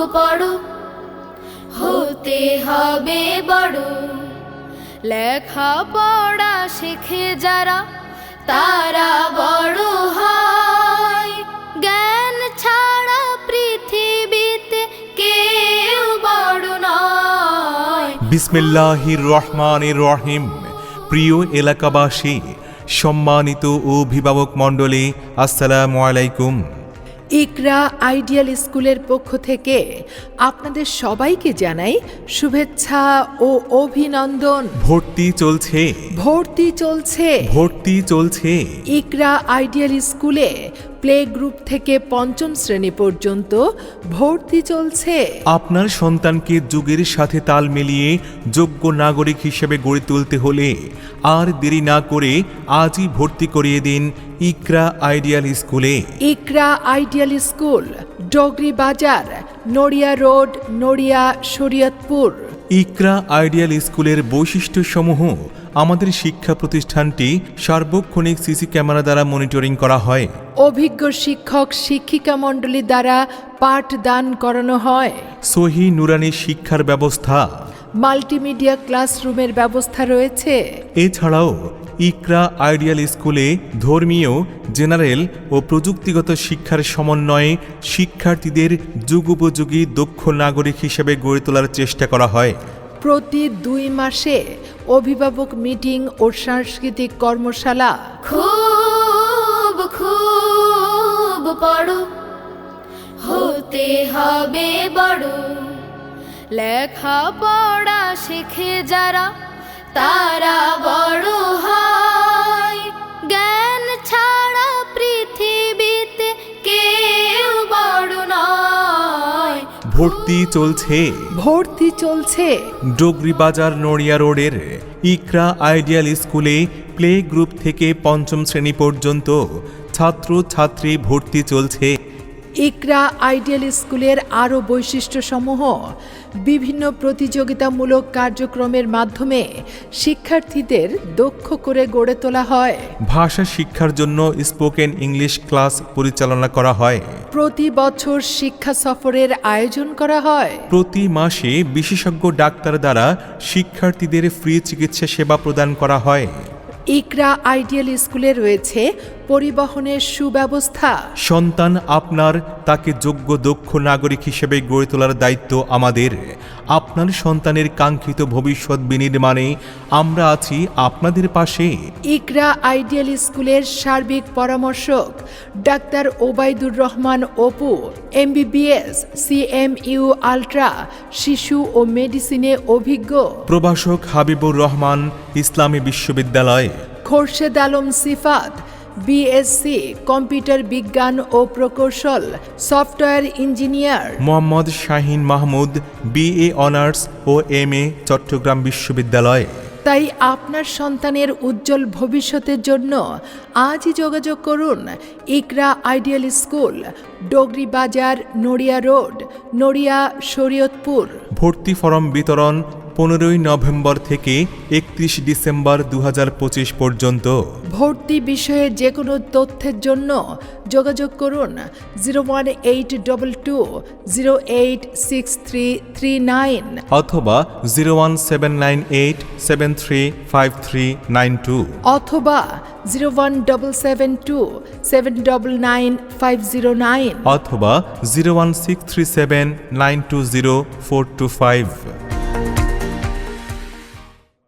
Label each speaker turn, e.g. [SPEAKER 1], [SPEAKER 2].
[SPEAKER 1] পড়ো, হতে হবে বড়। লেখা পড়া শেখে যারা, তারা বড় হয়। জ্ঞান ছাড়া পৃথিবীতে কেউ বড় নয়।
[SPEAKER 2] বিসমিল্লাহির রহমানির রহিম। প্রিয় এলাকাবাসী, সম্মানিত অভিভাবক মণ্ডলী, আসসালামু আলাইকুম।
[SPEAKER 3] ইকরা আইডিয়াল স্কুলের পক্ষ থেকে আপনাদের সবাইকে জানাই শুভেচ্ছা ও অভিনন্দন।
[SPEAKER 2] ভর্তি চলছে,
[SPEAKER 3] ভর্তি চলছে।
[SPEAKER 2] ভর্তি চলছে।
[SPEAKER 3] ইকরা আইডিয়াল স্কুলে প্লে গ্রুপ থেকে পঞ্চম শ্রেণী পর্যন্ত ভর্তি চলছে।
[SPEAKER 2] আপনার সন্তানকে যুগের সাথে তাল মিলিয়ে যোগ্য নাগরিক হিসেবে গড়ে তুলতে হলে আর দেরি না করে আজই ভর্তি করিয়ে দিন ইকরা আইডিয়াল স্কুলে।
[SPEAKER 3] ইকরা ideal school, Dogri Bazar, Naria road, Naria, Shariatpur.
[SPEAKER 2] Iqra ideal স্কুলের বৈশিষ্ট্যসমূহ: আমাদের শিক্ষা প্রতিষ্ঠানটি সার্বক্ষণিক সিসি ক্যামেরা দ্বারা মনিটরিং করা হয়।
[SPEAKER 3] অভিজ্ঞ শিক্ষক শিক্ষিকা মণ্ডলী দ্বারা পাঠদান করানো হয়।
[SPEAKER 2] সহি নুরানি শিক্ষার ব্যবস্থা,
[SPEAKER 3] মাল্টিমিডিয়া ক্লাসরুমের ব্যবস্থা রয়েছে।
[SPEAKER 2] এছাড়াও ইকরা আইডিয়াল স্কুলে ধর্মীয়, জেনারেল ও প্রযুক্তিগত শিক্ষার সমন্বয়ে শিক্ষার্থীদের যুগোপযোগী দক্ষ নাগরিক হিসেবে গড়ে তোলার চেষ্টা করা হয়।
[SPEAKER 3] প্রতি 2 মাসে অভিভাবক মিটিং ও সাংস্কৃতিক কর্মশালা।
[SPEAKER 1] খুব খুব পড়ো, হতে হবে বড়। লেখা পড়া শেখে যারা, তারা বড় হয়। জ্ঞান ছাড়া পৃথিবীতে কেউ বড় নয়।
[SPEAKER 2] ভর্তি চলছে,
[SPEAKER 3] ভর্তি চলছে।
[SPEAKER 2] ডগরি বাজার নড়িয়া রোডের ইকরা আইডিয়াল স্কুলে প্লে গ্রুপ থেকে পঞ্চম শ্রেণী পর্যন্ত ছাত্র ছাত্রী ভর্তি চলছে।
[SPEAKER 3] ইকরা আইডিয়াল স্কুলের আরও বৈশিষ্ট্যসমূহ: বিভিন্ন প্রতিযোগিতামূলক কার্যক্রমের মাধ্যমে শিক্ষার্থীদের দক্ষ করে গড়ে তোলা হয়।
[SPEAKER 2] ভাষা শিক্ষার জন্য স্পোকেন ইংলিশ ক্লাস পরিচালনা করা হয়।
[SPEAKER 3] প্রতি বছর শিক্ষা সফরের আয়োজন করা হয়।
[SPEAKER 2] প্রতি মাসে বিশেষজ্ঞ ডাক্তার দ্বারা শিক্ষার্থীদের ফ্রি চিকিৎসা সেবা প্রদান করা হয়।
[SPEAKER 3] ইকরা আইডিয়াল স্কুলে রয়েছে পরিবহনের সুব্যবস্থা।
[SPEAKER 2] সন্তান আপনার, তাকে যোগ্য দক্ষ নাগরিক হিসেবে গড়ে তোলার দায়িত্ব আমাদের। আপনার সন্তানের কাঙ্ক্ষিত ভবিষ্যৎ বিনির্মাণে আমরা আছি আপনাদের পাশে।
[SPEAKER 3] ইকরা আইডিয়াল স্কুলের সার্বিক পরামর্শক ডাক্তার Obaidur Rahman Apu, MBBS, CMU ultra, শিশু ও মেডিসিনে অভিজ্ঞ।
[SPEAKER 2] প্রভাষক হাবিবুর রহমান, ইসলামী বিশ্ববিদ্যালয়।
[SPEAKER 3] খোরশেদ আলম সিফাত, BSc কম্পিউটার বিজ্ঞান ও প্রকৌশল, software engineer.
[SPEAKER 2] Mohammad Shahin Mahmud, BA honours ও MA, চট্টগ্রাম বিশ্ববিদ্যালয়।
[SPEAKER 3] তাই আপনার সন্তানের উজ্জ্বল ভবিষ্যতের জন্য আজই যোগাযোগ করুন ইকরা ideal school, Dogri Bazar, Naria road, Naria, Shariatpur.
[SPEAKER 2] ভর্তি ফরম বিতরণ 15 নভেম্বর থেকে 31 ডিসেম্বর 2025 পর্যন্ত।
[SPEAKER 3] ভর্তি বিষয়ে যে কোনো তথ্যের জন্য যোগাযোগ করুন 01822086339
[SPEAKER 2] অথবা 01798735392
[SPEAKER 3] অথবা 01772799509
[SPEAKER 2] অথবা 01637920425।